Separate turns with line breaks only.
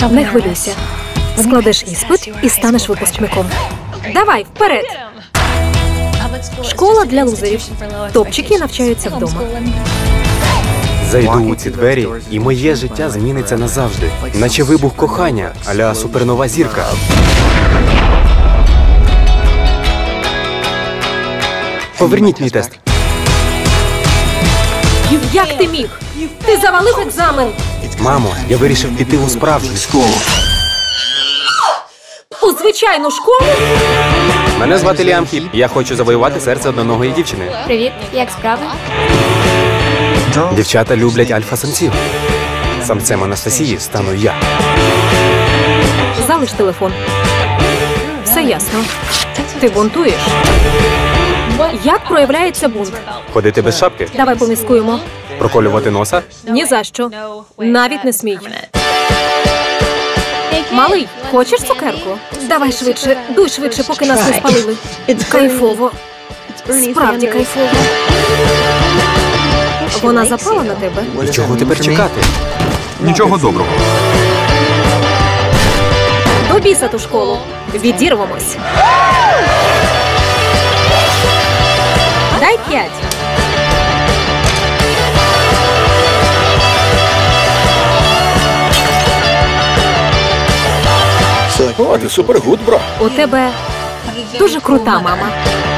Не хвилюйся. Складеш іспит і станеш випускником. Давай, вперед! Школа для лузерів. Топчики навчаються вдома.
Зайду у ці двері, і моє життя зміниться назавжди. Наче вибух кохання, а-ля супернова зірка. Поверніть мій тест.
Як ти міг? Ти завалив екзамен!
Мамо, я вирішив піти у справжню школу.
У звичайну школу?
Мене звати Ліам Хіп. Я хочу завоювати серце одноногої дівчини.
Привіт, як справи?
Дівчата люблять альфа-самців. Самцем Анастасії стану я.
Залиш телефон. Все ясно. Ти бунтуєш. Як проявляється бунт?
Ходити без шапки?
Давай поміскуємо.
Проколювати носа?
Ні за що. Навіть не смій. Малий, хочеш цукерку? Давай швидше, дуй швидше, поки нас не спалили. Кайфово. Справді кайфово. Вона запала на тебе?
І чого тепер чекати?
Нічого доброго.
До біса ту школу. Відірвемось. Дай 5.
О, ти супергуд, бро.
У тебе дуже крута мама.